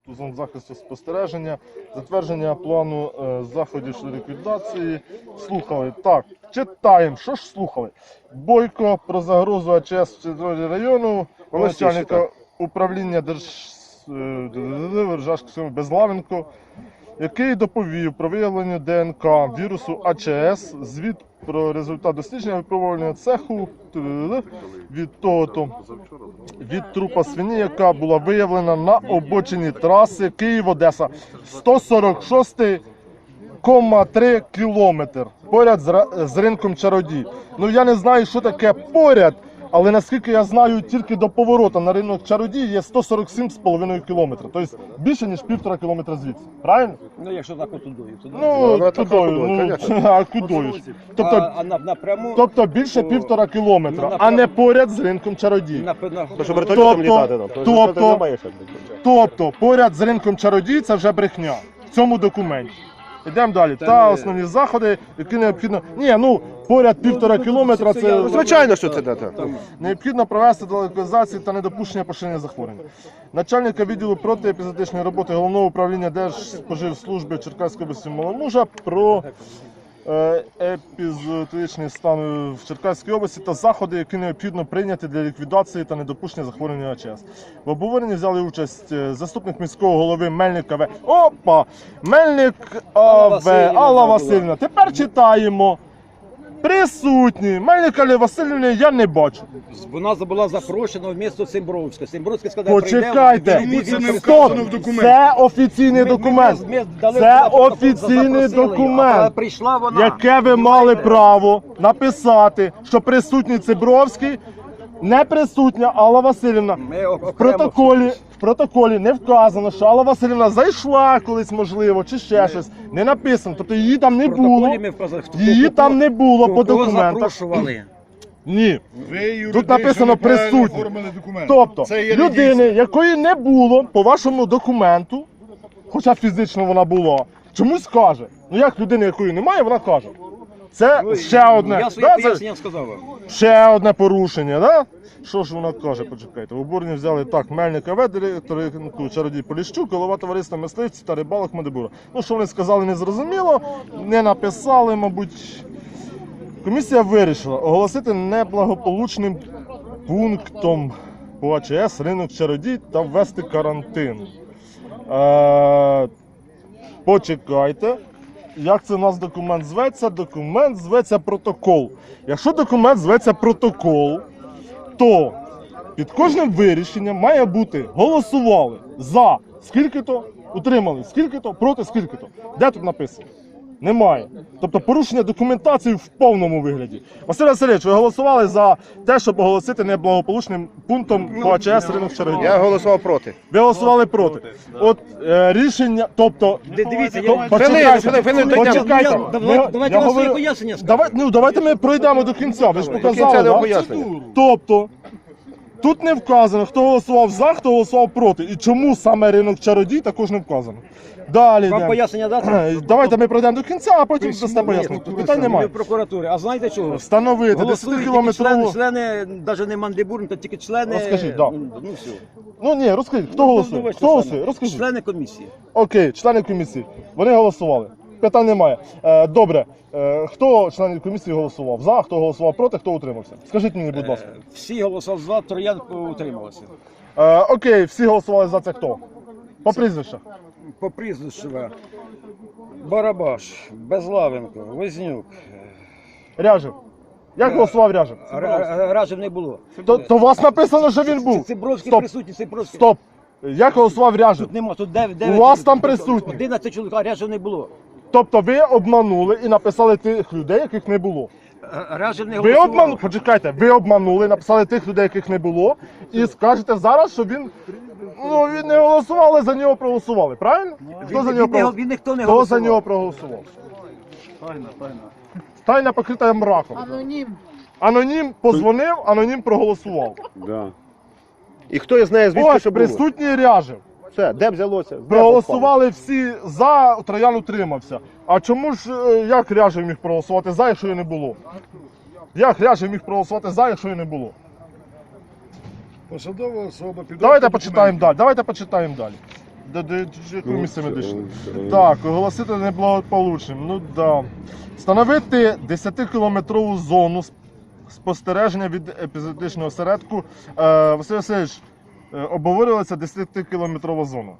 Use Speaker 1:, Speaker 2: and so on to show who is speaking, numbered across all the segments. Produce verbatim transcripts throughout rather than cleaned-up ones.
Speaker 1: зон захисту спостереження, затвердження плану е, заходів щодо ліквідації. Слухали. Так, читаємо. Що ж слухали? Бойко про загрозу А Ч С в території району, начальника управління Держжашківського Безлавенко, який доповів про виявлення Д Н К вірусу А Ч С, звіт про результат дослідження випробувального цеху від того-то, від трупа свині, яка була виявлена на обочині траси Київ-Одеса, сто сорок шість кома три кілометр, поряд з, з ринком Чародій. Ну я не знаю, що таке поряд, але наскільки я знаю, тільки до поворота на ринок Чародій є сто сорок сім з половиною кілометра. Тобто більше, ніж півтора кілометра звідси. Правильно?
Speaker 2: Ну, якщо так от тудою.
Speaker 1: Ну, ну тудою, ну, а кудою? Тобто,
Speaker 2: а, а на, напряму...
Speaker 1: тобто більше
Speaker 2: то,
Speaker 1: півтора кілометра,
Speaker 2: ну,
Speaker 1: а не поряд з ринком Чародій.
Speaker 2: На, на,
Speaker 3: То, щоб вертольотом літати нам. То,
Speaker 1: тобто, тобто, поряд з ринком Чародій це вже брехня в цьому документі. Йдемо далі. Та, Та не... основні заходи, які необхідно... Ні, ну, поряд півтора кілометра це...
Speaker 3: Ну, звичайно, що це дата.
Speaker 1: Необхідно провести до локалізації та недопущення поширення захворювання. Начальника відділу протиепізотичної роботи Головного управління Держспоживслужби Черкаської області Маломужа про е, епізотичний стан в Черкаській області та заходи, які необхідно прийняти для ліквідації та недопущення захворювання А Ч С. В обговоренні взяли участь заступник міського голови Мельник А В. Опа! Мельник А В. Алла Васильівна. Тепер читаємо. Присутні. Мельник Алли Васильівни я не бачу.
Speaker 2: Вона була запрошена в місто Симбровське. Симбровське сказав,
Speaker 1: почекайте, стоп, це офіційний документ. Це офіційний документ, яке ви мали право написати, що присутній Цибровський, не присутня Алла Васильівна. В протоколі, в протоколі не вказано, що Алла Васильівна зайшла колись, можливо, чи ще щось. Не написано, тобто її там не було. Її там не було по документах. Ні. Тут написано присутні. Тобто, людини, якої не було по вашому документу, хоча фізично вона була, чомусь каже. Ну як людини, якої немає, вона каже. Це Ой, ще одне.
Speaker 2: Я своє пояснення сказав вам.
Speaker 1: Ще одне порушення, да? Що ж вона каже, почекайте. В обуренні взяли так, Мельник А В, директор Чародій Поліщук, голова товариства мисливців та рибалок Мадебура. Ну, що вони сказали, не зрозуміло, не написали, мабуть. Комісія вирішила оголосити неблагополучним пунктом по А Ч С ринок Чародій та ввести карантин. Е, почекайте. Як це у нас документ зветься? Документ зветься протокол. Якщо документ зветься протокол, то під кожним вирішенням має бути голосували за скільки-то, утримали скільки-то, проти скільки-то. Де тут написано? Немає. Тобто порушення документації в повному вигляді. Василь Васильович, ви голосували за те, щоб оголосити неблагополучним пунктом по А Ч С ринок Чародій?
Speaker 3: Я голосував проти.
Speaker 1: Ви голосували проти. От е, рішення, тобто...
Speaker 2: Дивіться,
Speaker 1: то,
Speaker 2: я...
Speaker 1: почекайте,
Speaker 3: Фили,
Speaker 1: почекайте.
Speaker 2: Я, давайте, давайте я вам своє пояснення скажу.
Speaker 1: Давай, ну, давайте ми пройдемо до кінця, ви ж показали,
Speaker 3: да?
Speaker 1: пояснення. Тобто, тут не вказано, хто голосував за, хто голосував проти. І чому саме ринок Чародій також не вказано. Далі
Speaker 2: Вам пояснення дати?
Speaker 1: Давайте ми пройдемо до кінця, а потім дасте пояснення. Питань немає.
Speaker 2: В прокуратурі. А знаєте чого?
Speaker 1: Встановити десятикілометрову...
Speaker 2: Члени, члени, навіть не Мандибур, то тільки члени...
Speaker 1: Розкажіть, да.
Speaker 2: Ну, ну все.
Speaker 1: Ну ні, розкажіть, хто голосує?
Speaker 2: Ну,
Speaker 1: Хто голосує? Розкажіть.
Speaker 2: Члени комісії.
Speaker 1: Окей, члени комісії. Вони голосували. Питань немає. Е, добре. Е, хто членів комісії голосував за, хто голосував проти, хто утримався? Скажіть мені, будь ласка.
Speaker 2: Е, всі голосували за, Троян утрималися.
Speaker 1: Е, окей, всі голосували за це хто? По прізвищах.
Speaker 2: По прізвищу Барабаш, Безлавенко, Вознюк.
Speaker 1: Ряжев. Як голосував Ряжев?
Speaker 2: Ряжев не було.
Speaker 1: То, то у вас написано, що він був.
Speaker 2: Цибровський
Speaker 1: Стоп.
Speaker 2: присутній, Цибровський.
Speaker 1: Стоп. Як голосував Ряжев?
Speaker 2: Тут нема, тут дев'ять.
Speaker 1: У вас там присутні.
Speaker 2: одинадцять чоловік, а Ряжев не було.
Speaker 1: Тобто ви обманули і написали тих людей, яких не було.
Speaker 2: Ряжев не
Speaker 1: Ви
Speaker 2: голосував.
Speaker 1: обманули, почекайте, ви обманули, написали тих людей, яких не було, і скажете зараз, що він, ну, він не голосував, але за нього проголосували, правильно? Хто за нього проголосував?
Speaker 2: Він ніхто не
Speaker 1: Хто
Speaker 2: голосував.
Speaker 1: за нього проголосував?
Speaker 2: Тайна, тайна.
Speaker 1: Тайна покрита мраком.
Speaker 4: Анонім.
Speaker 1: Анонім позвонив, анонім проголосував.
Speaker 3: Да. І хто із неї звідки,
Speaker 1: Ось
Speaker 3: що було?
Speaker 1: присутній Ряжев.
Speaker 3: Все, де взялося? Де
Speaker 1: Проголосували всі за, Троян утримався. А чому ж, е, як Ряжев міг проголосувати за, якщо його не було? Як Ряжев міг проголосувати за, якщо його не було?
Speaker 5: Посадова особа підробка
Speaker 1: Давайте
Speaker 5: документів.
Speaker 1: почитаємо далі. Давайте почитаємо далі. До, до, до якого місця ми дійшли? Так, оголосити неблагополучним. Ну да. Встановити десятикілометрову зону сп- спостереження від епізодичного осередку. Е, Василь Васильович, е, обговорювалася десятикілометрова зона.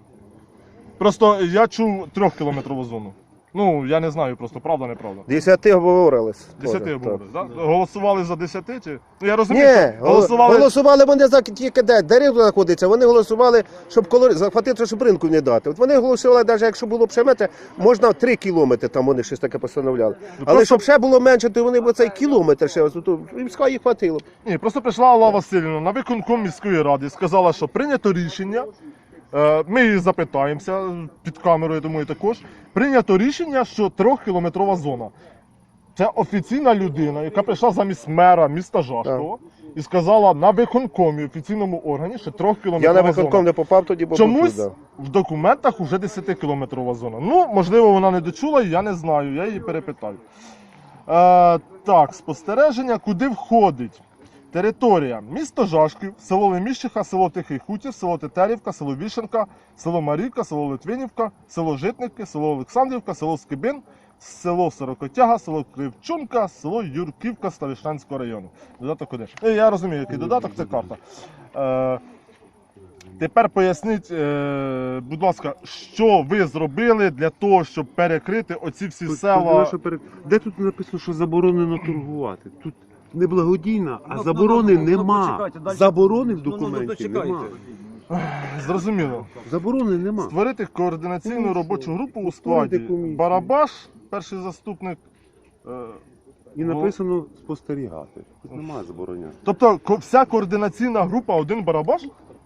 Speaker 1: Просто я чув трьохкілометрову зону. Ну, я не знаю, просто правда, неправда.
Speaker 3: Десяти обговорились.
Speaker 1: Десяти
Speaker 3: Тоже,
Speaker 1: обговорили,
Speaker 3: так.
Speaker 1: так? Голосували за десяти чи? Ну я розумію,
Speaker 3: Ні,
Speaker 1: що голосували.
Speaker 3: голосували вони за тільки де дерево знаходиться. Вони голосували, щоб колор... захватити, щоб ринку не дати. От вони голосували, навіть якщо було б ще метр, можна три кілометри, там вони щось таке постановляли. Але
Speaker 1: просто-
Speaker 3: щоб ще було менше, то вони б цей кілометр ще ось тут, їм ска їх хватило.
Speaker 1: Ні, просто прийшла Алла Васильівна на виконком міської ради і сказала, що прийнято рішення. е, Ми її запитаємося під камерою, я думаю, також. Прийнято рішення, що трьохкілометрова зона. Це офіційна людина, яка прийшла замість мера міста Жашкова і сказала на виконкомі, офіційному органі, що
Speaker 3: Я
Speaker 1: трьохкілометрова
Speaker 3: на виконком
Speaker 1: зона.
Speaker 3: не попав тоді, бо
Speaker 1: Чомусь
Speaker 3: був тут,
Speaker 1: в документах вже десятикілометрова зона. Ну, можливо, вона не дочула, я не знаю, я її перепитаю. Е, так, спостереження, куди входить? Територія: місто Жашків, село Леміщиха, село Тихий Хутір, село Тетерівка, село Вішенка, село Марівка, село Литвинівка, село Житники, село Олександрівка, село Скибин, село Сорокотяга, село Кривчунка, село Юрківка Ставищенського району. Додаток один. Ну, я розумію, який додаток, це карта. Е, Тепер поясніть, е, будь ласка, що ви зробили для того, щоб перекрити оці всі
Speaker 4: Тут
Speaker 1: села?
Speaker 4: сказали, що перед- Де тут написано, що заборонено торгувати? Тут не благодійна, а
Speaker 2: Ну,
Speaker 4: заборони
Speaker 2: ну, ну, ну,
Speaker 4: нема.
Speaker 2: почекайте, дальше-
Speaker 4: Заборони в
Speaker 2: Ну, ну, ну,
Speaker 4: документі
Speaker 2: дочекайте.
Speaker 4: нема.
Speaker 1: Зрозуміло.
Speaker 4: Заборони нема.
Speaker 1: Створити координаційну
Speaker 4: Ну,
Speaker 1: робочу групу у
Speaker 4: створити
Speaker 1: складі
Speaker 4: комісію.
Speaker 1: Барабаш, перший заступник. е,
Speaker 4: І написано спостерігати. Тут немає забороняти.
Speaker 1: Тобто ко- вся координаційна група один Барабаш?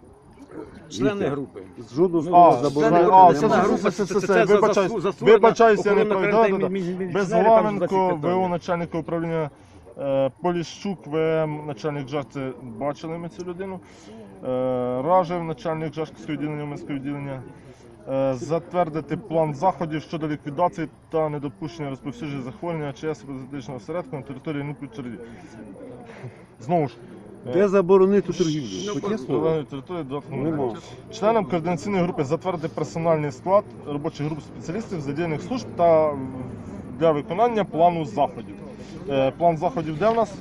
Speaker 2: Члени групи.
Speaker 4: З жодного
Speaker 2: Ну,
Speaker 4: слова
Speaker 1: А,
Speaker 4: заборони
Speaker 1: а,
Speaker 4: немає.
Speaker 1: це-
Speaker 2: Члени
Speaker 1: це-
Speaker 2: групи,
Speaker 1: це- це-
Speaker 2: це-
Speaker 1: це-
Speaker 2: це за-
Speaker 1: вибачаюсь,
Speaker 2: за- за створення
Speaker 1: вибачаюсь, я не
Speaker 2: охоронно
Speaker 1: пройду.
Speaker 2: карантинних
Speaker 1: Да, да, да.
Speaker 2: мі- мі-
Speaker 1: Безглавенко,
Speaker 2: міліціонерів, там, за ці
Speaker 1: ВО
Speaker 2: питання.
Speaker 1: начальника управління, е, Поліщук, ВМ, начальник ЖАЖ, це бачили ми цю людину. Е, Ражев, начальник Жашківського відділення, Минського відділення. Е, Затвердити план заходів щодо ліквідації та недопущення розповсюдження захворювання ЧС епізодичного осередку на території НУПІ Черді. Знову ж,
Speaker 4: Де заборонити торгівлю?
Speaker 2: Ну,
Speaker 4: Хоч є
Speaker 2: по-
Speaker 4: слово?
Speaker 1: Зеленої території додатку
Speaker 4: Нема.
Speaker 1: немає. Членам координаційної групи затвердити персональний склад робочих груп спеціалістів задіяних служб та для виконання плану заходів. Е, План заходів де в нас?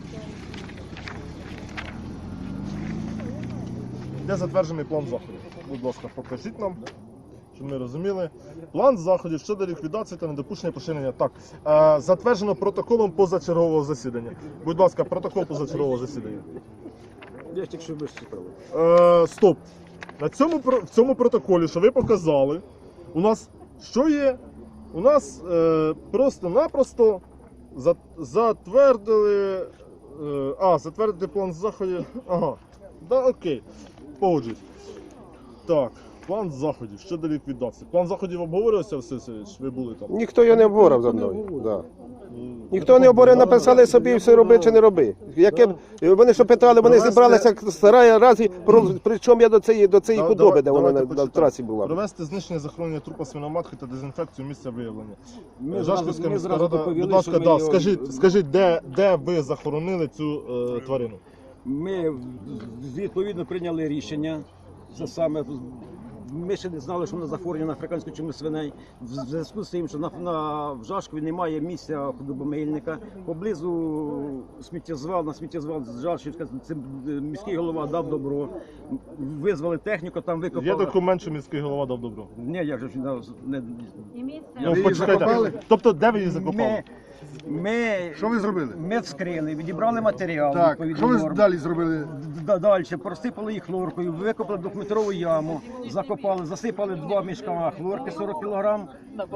Speaker 1: Де затверджений план заходів? Будь ласка, покажіть нам, щоб ми розуміли. План заходів щодо ліквідації та недопущення поширення. Так, е, затверджено протоколом позачергового засідання. Будь ласка, протокол позачергового засідання.
Speaker 2: Я тільки що читав.
Speaker 1: Е, стоп. На цьому, про- в цьому протоколі, що ви показали, у нас що є? У нас е, просто-напросто за- затвердили. Е, а, затвердити план заходів. Ага. Да, окей. Погоджуюсь. Так, план заходів щодо ліквідації. План заходів обговорювався, Василь Васильович? Ви були там?
Speaker 3: Ніхто його не обговорив за мною. Да. Ніхто не обговорив, написали собі, все роби чи не роби. Яке б- вони що питали, вони
Speaker 1: Провести-
Speaker 3: зібралися як стара разі, про- причому я до цієї, до цієї
Speaker 1: Да,
Speaker 3: худоби, де
Speaker 1: давай-
Speaker 3: вона на,
Speaker 1: давайте
Speaker 3: на
Speaker 1: почитаємо.
Speaker 3: трасі була.
Speaker 1: Провести знищення захоронення трупа свиноматки та дезінфекцію місця виявлення.
Speaker 2: Ми
Speaker 1: Жашківська
Speaker 2: зразу- ми
Speaker 1: міська
Speaker 2: зразу
Speaker 1: рада,
Speaker 2: доповіли,
Speaker 1: будь ласка,
Speaker 2: що ми
Speaker 1: да,
Speaker 2: його-
Speaker 1: скажіть, скажіть, де, де ви захоронили цю е, тварину?
Speaker 2: Ми відповідно прийняли рішення. Це саме ми ще не знали, що вона захворювання на африканську чуму свиней. В зв'язку з тим, що на, на в Жашкові немає місця худобомийника. Поблизу сміттєзвал, на сміттєзвал з Жашківська це міський голова дав добро. Визвали техніку, там викопали.
Speaker 1: Є документ, що міський голова дав добро.
Speaker 2: Ні, як же ж не, не
Speaker 1: Ну,
Speaker 2: її
Speaker 1: почекайте.
Speaker 2: закопали?
Speaker 1: Тобто, де ви її закопали?
Speaker 2: Ми, ми,
Speaker 5: Що ви зробили?
Speaker 2: ми вскрили, відібрали матеріал.
Speaker 5: Так,
Speaker 2: відповідно
Speaker 5: що ви
Speaker 2: норм.
Speaker 5: далі зробили?
Speaker 2: Д- Далі просипали їх хлоркою, викопали двохметрову яму, закопали, засипали два мішка хлорки сорок кілограм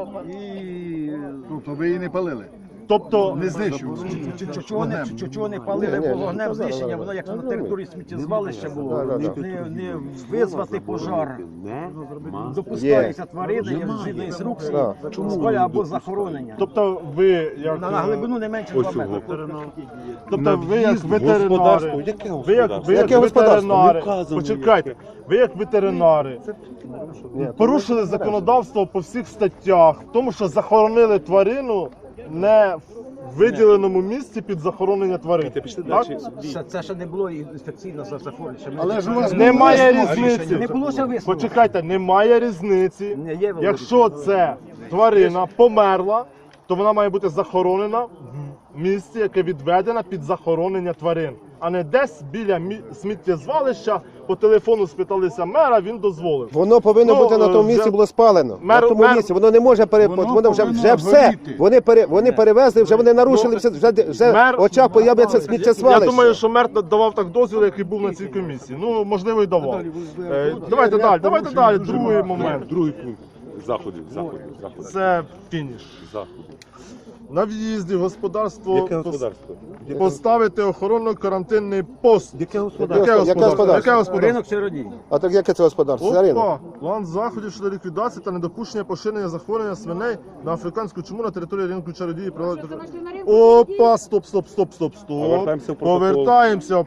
Speaker 2: і
Speaker 5: Тобто ви її не палили?
Speaker 1: Тобто,
Speaker 5: Не знищували?
Speaker 2: Ч- ч- чого не, ч- чого не
Speaker 3: Ні,
Speaker 2: палили,
Speaker 3: ні,
Speaker 2: бо
Speaker 3: ні,
Speaker 2: вогнем
Speaker 3: ну, да, да,
Speaker 2: знищення,
Speaker 3: да.
Speaker 2: воно як на території сміттєзвалища було,
Speaker 3: Да, да,
Speaker 2: не,
Speaker 3: да.
Speaker 2: не, не визвати пожар.
Speaker 4: Нема.
Speaker 2: Допускаються тварини, згідно інструкції,
Speaker 3: Так.
Speaker 2: спаля або захоронення.
Speaker 1: тобто ви як,
Speaker 2: На, на глибину не менше два метри.
Speaker 1: тобто ви як
Speaker 4: В'їзд в
Speaker 1: ветеринари,
Speaker 4: господарство. Яке
Speaker 1: ви як, ви як
Speaker 3: Яке господарство?
Speaker 1: ветеринари,
Speaker 4: Не вказано
Speaker 1: почекайте, ви як ветеринари порушили законодавство по всіх статтях, в тому що захоронили тварину не виділеному місці під захоронення тварин. Так?
Speaker 2: Це, це ще не було інфекційно зафорено.
Speaker 3: Але ж у вас
Speaker 1: Немає
Speaker 3: було
Speaker 1: різниці.
Speaker 2: Не було ще висновку.
Speaker 1: Почекайте, немає різниці.
Speaker 2: Не, є, Володя.
Speaker 1: Якщо це тварина померла, то вона має бути захоронена в місці, яке відведено під захоронення тварин, а не десь біля мі- сміттєзвалища. По телефону спиталися мера, він дозволив.
Speaker 3: Воно повинно
Speaker 1: Ну,
Speaker 3: бути на тому
Speaker 1: вже-
Speaker 3: місці, було спалено.
Speaker 1: Мер-
Speaker 3: на тому
Speaker 1: мер-
Speaker 3: місці. Воно не може пере...
Speaker 5: Воно
Speaker 3: воно, вже,
Speaker 5: повинно
Speaker 3: вже все.
Speaker 5: горіти.
Speaker 3: Вони, пере... вони перевезли, вже вони нарушили, все, вже, вже
Speaker 1: Мер-
Speaker 3: в очах появляться
Speaker 1: Я
Speaker 3: сміттєзвалище.
Speaker 1: думаю, що мер давав так дозвіл, який був на цій комісії. Ну, можливо, і давав. Е, Давайте далі, давайте далі. Другий момент.
Speaker 4: Другий пункт заходів, заходів, заходів.
Speaker 1: Це фініш.
Speaker 4: Заходів.
Speaker 1: На в'їзді в господарство
Speaker 4: Яке
Speaker 1: пос-
Speaker 4: господарство?
Speaker 1: поставити охоронно-карантинний пост.
Speaker 4: Яке господарство?
Speaker 1: Яке
Speaker 3: Яке
Speaker 1: господарство?
Speaker 3: господарство?
Speaker 1: Яке господарство?
Speaker 2: Ринок чародій.
Speaker 3: А так яке це господарство? Це ринок.
Speaker 1: Опа! План заходів щодо ліквідації та недопущення поширення захворювання свиней на африканську чуму на території ринку чародії. Опа! Стоп, стоп, стоп, стоп, стоп.
Speaker 4: Повертаємося в протокол.
Speaker 1: Повертаємося в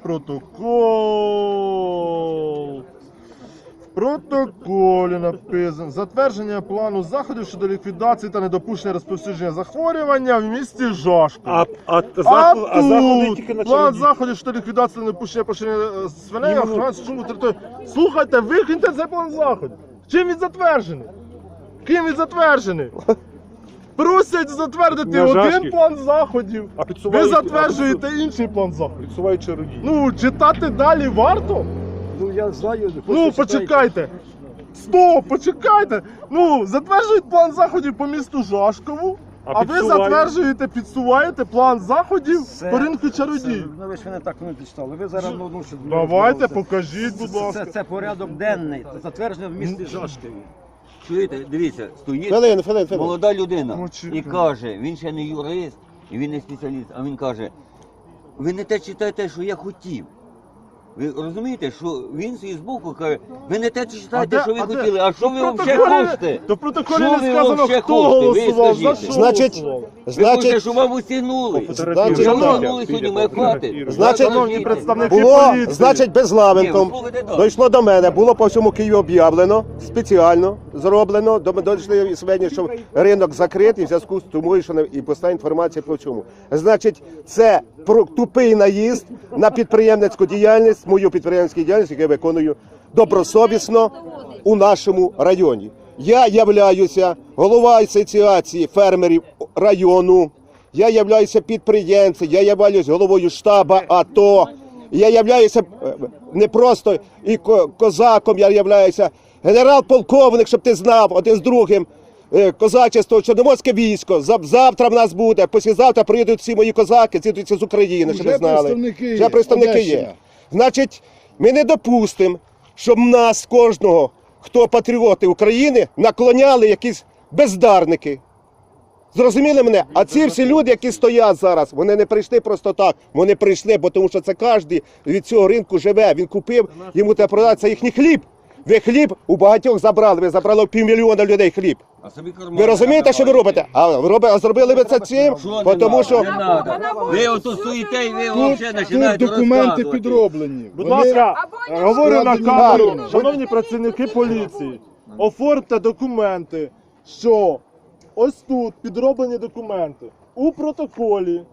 Speaker 1: протокол. В протоколі написано затвердження плану заходів щодо ліквідації та недопущення розповсюдження захворювання в місті Жашків.
Speaker 4: А, а,
Speaker 1: А
Speaker 4: заход, а заходи
Speaker 1: тут
Speaker 4: тільки на
Speaker 1: план
Speaker 4: чоловік.
Speaker 1: заходів щодо ліквідації та недопущення поширення е, свиней,
Speaker 4: Іменно-
Speaker 1: охорони чуму території. Слухайте, викиньте цей план заходів. Чим він затверджений? Ким він затверджений? Просять затвердити
Speaker 4: На
Speaker 1: один
Speaker 4: Жашків.
Speaker 1: план заходів.
Speaker 4: А
Speaker 1: Ви
Speaker 4: підсувають,
Speaker 1: затверджуєте інший план заходів.
Speaker 4: підсувають чародії.
Speaker 1: Ну, читати далі варто?
Speaker 2: Ну я знаю.
Speaker 1: Ну, почекайте. Стоп, почекайте. Ну, затверджують план заходів по місту Жашкову, а,
Speaker 4: А
Speaker 1: ви
Speaker 4: підсувають?
Speaker 1: затверджуєте, підсуваєте план заходів
Speaker 2: Це-
Speaker 1: по ринку
Speaker 2: Це,
Speaker 1: чародій.
Speaker 2: ну ви ж мене так не дочитали. Ви зараз ну, ну, що
Speaker 1: Давайте,
Speaker 2: це-
Speaker 1: покажіть, будь
Speaker 2: це,
Speaker 1: ласка.
Speaker 2: це, це порядок денний, затверджений в місті Жашкові.
Speaker 6: Чуєте, дивіться, стоїть
Speaker 3: Хвилин, хвилин, хвилин.
Speaker 6: молода людина
Speaker 1: Почекай.
Speaker 6: і каже, він ще не юрист, і він не спеціаліст, а він каже, ви не те читаєте, що я хотів. Ви розумієте, що він свій збоку каже, ви не те читаєте,
Speaker 1: де-
Speaker 6: що ви
Speaker 1: а де?
Speaker 6: хотіли, а що
Speaker 1: То
Speaker 6: ви
Speaker 1: в
Speaker 6: взагалі
Speaker 1: протоколі-
Speaker 6: хочете?
Speaker 1: То в протоколі
Speaker 6: Що
Speaker 1: не
Speaker 6: ви
Speaker 1: сказано,
Speaker 6: вообще
Speaker 1: хто
Speaker 6: хочете? Ви
Speaker 1: голосував, за
Speaker 6: скажіть.
Speaker 1: що
Speaker 3: Значить,
Speaker 1: голосував.
Speaker 6: Ви хочете,
Speaker 3: Значить,
Speaker 6: щоб вам усягнули.
Speaker 3: Значить,
Speaker 6: Вже
Speaker 3: ну,
Speaker 6: усягнули сьогодні, ми хватить.
Speaker 3: Значить,
Speaker 1: Шановні представники
Speaker 3: було,
Speaker 1: поліції.
Speaker 3: значить,
Speaker 6: Ні, ви
Speaker 3: безглавенком.
Speaker 6: слухайте далі.
Speaker 3: Дійшло до мене, було по всьому Києву об'явлено, спеціально зроблено. До мене дійшли сведення, що ринок закритий в зв'язку з тому, що не- і постає інформація по чому. Значить, це про тупий наїзд на підприємницьку діяльність, мою підприємницьку діяльність, яку я виконую добросовісно у нашому районі. Я являюся голова асоціації фермерів району. Я являюся підприємцем, я являюся головою штабу АТО. Я являюся е, не просто і ко- козаком, я являюся генерал-полковник, щоб ти знав, один з другим. е, Козачество, Чорноморське військо. Зав- Завтра в нас буде, післязавтра приїдуть всі мої козаки, з'їдуться з України, щоб ви
Speaker 5: Вже
Speaker 3: знали.
Speaker 5: представники
Speaker 3: Вже
Speaker 5: є,
Speaker 3: представники є.
Speaker 5: Одещина.
Speaker 3: Значить, ми не допустимо, щоб нас кожного, хто патріоти України, наклоняли якісь бездарники. Зрозуміли мене? А ці всі люди, які стоять зараз, вони не прийшли просто так. Вони прийшли, бо тому що це кожен від цього ринку живе. Він купив, йому треба продати, це їхній хліб. Ви хліб у багатьох забрали, ви забрали у півмільйона людей хліб.
Speaker 6: А собі кармани
Speaker 3: Ви розумієте, що ви робите? А, ви роби- а зробили ви це цим,
Speaker 6: Що
Speaker 3: бо
Speaker 6: не
Speaker 3: тому
Speaker 6: надо?
Speaker 3: що...
Speaker 6: Не надо. Ви отут стоїте і ви
Speaker 5: Тут,
Speaker 6: взагалі
Speaker 5: тут
Speaker 6: починаєте
Speaker 5: документи
Speaker 6: розказувати.
Speaker 5: підроблені.
Speaker 1: Будь
Speaker 5: Вони-
Speaker 1: ласка, говорю на
Speaker 5: складені
Speaker 1: камеру,
Speaker 5: нормально.
Speaker 1: шановні працівники поліції, оформте документи, що ось тут підроблені документи. У протоколі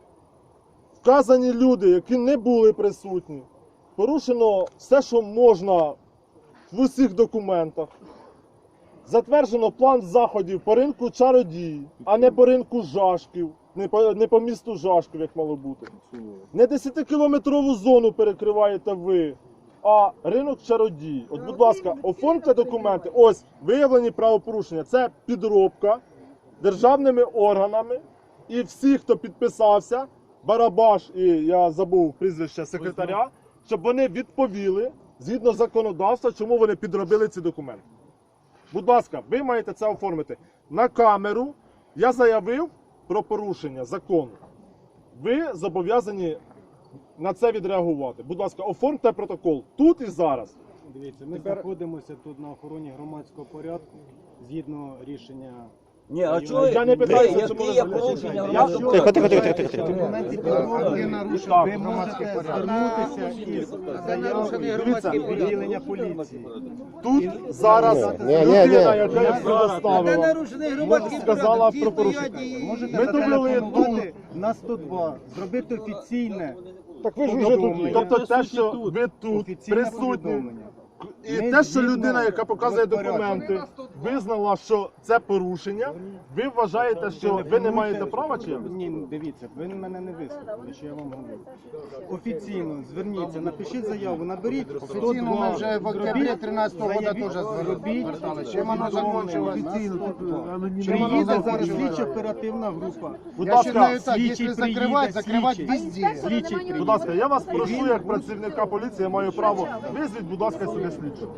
Speaker 1: вказані люди, які не були присутні. Порушено все, що можна в усіх документах. Затверджено план заходів по ринку чародій, а не по ринку Жашків, не по, не по місту Жашків, як мало бути. Не десятикілометрову зону перекриваєте ви, а ринок чародій. От, будь ласка, оформте документи. Ось виявлені правопорушення. Це підробка державними органами. І всі, хто підписався, Барабаш і я забув прізвище секретаря, щоб вони відповіли згідно законодавства, чому вони підробили ці документи. Будь ласка, ви маєте це оформити. На камеру я заявив про порушення закону. Ви зобов'язані на це відреагувати. Будь ласка, оформте протокол тут і зараз.
Speaker 7: Дивіться, ми знаходимося тут на охороні громадського порядку згідно рішення
Speaker 2: Ні, а чого?
Speaker 1: Я не питаюся,
Speaker 2: Які
Speaker 1: чому ви
Speaker 2: є
Speaker 1: залишили.
Speaker 2: порушення
Speaker 1: Я
Speaker 2: громадського
Speaker 1: що?
Speaker 3: Тихо, тихо, тихо, тихо, тихо.
Speaker 5: Ви нарушили, ви можете звернутися із заявою до відділення поліції.
Speaker 1: Тут зараз
Speaker 3: Ні, ні, ні,
Speaker 1: людина,
Speaker 3: ні.
Speaker 1: яка їх предоставила, сказала про порушення.
Speaker 5: Можете
Speaker 1: Ми довели тут.
Speaker 5: зателефонувати на сто два, зробити офіційне
Speaker 3: Так ви ж
Speaker 5: вже тут є.
Speaker 1: Тобто те, що ви тут
Speaker 5: офіційне
Speaker 1: присутні,
Speaker 5: повідомлення.
Speaker 1: і
Speaker 5: Ми
Speaker 1: те, що
Speaker 5: згідно
Speaker 1: людина, яка показує
Speaker 5: розпорядження.
Speaker 1: документи, визнала, що це порушення, ви вважаєте, що ви не маєте права чи як?
Speaker 5: Ні, ну, дивіться, ви мене не вислухали, що я вам говорю. Офіційно зверніться, напишіть заяву, наберіть.
Speaker 7: Офіційно ми вже в октябрі тринадцятого року теж зверталися. Чим воно закінчилось?
Speaker 5: Приїде зараз слідчо оперативна група.
Speaker 1: Будь
Speaker 7: Я
Speaker 1: ласка,
Speaker 7: вважаю так,
Speaker 5: слідчий
Speaker 7: якщо закривати,
Speaker 5: приїде,
Speaker 7: закривати
Speaker 5: слідчий.
Speaker 7: везде.
Speaker 5: Слідчий приїде.
Speaker 1: будь ласка, я вас прошу, як працівника поліції, я маю право. Визвіть, будь ласка, сюди слідчого.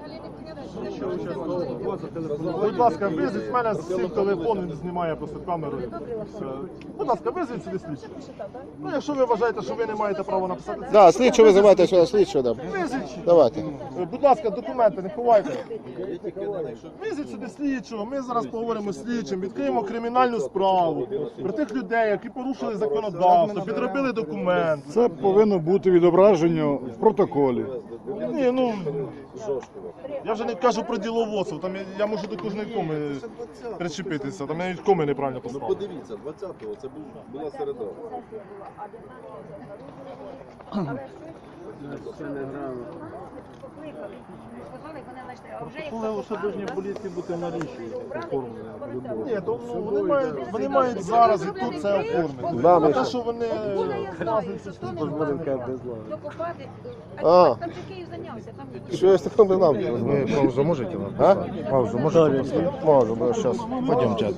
Speaker 1: Будь ласка, визвіть мене з цим телефон, він знімає просто камеру. Все. Будь ласка, визвіть сюди слідчого. Ну, якщо ви вважаєте, що ви не маєте права написати це,
Speaker 3: Да, слідчо визивайте сюди, слідчо. Да.
Speaker 1: визвіть.
Speaker 3: Давайте.
Speaker 1: Е, Будь ласка, документи не ховайте. Визвіть сюди слідчого, ми зараз поговоримо з слідчим, відкриємо кримінальну справу про тих людей, які порушили законодавство, підробили документи.
Speaker 8: Це повинно бути відображення в протоколі.
Speaker 1: Ні, ну я вже не кажу про діловодство, там я, я можу до кожної коми причепитися, там я навіть коми неправильно поставив.
Speaker 9: Подивіться, двадцятого це був, була середа.
Speaker 8: Але усе повинні поліції бути на ріші оформлені.
Speaker 1: Ні, то ну, вони мають, вони мають зараз і тут це оформити.
Speaker 3: Да,
Speaker 1: А
Speaker 3: Миша.
Speaker 1: те, що вони вказуються,
Speaker 3: А.
Speaker 10: Там же Київ зайнявся, там
Speaker 3: Що я з таким не знав?
Speaker 8: Ви паузу можете?
Speaker 3: А?
Speaker 8: Паузу можете?
Speaker 3: Можу, бо зараз.
Speaker 8: Пойдемте.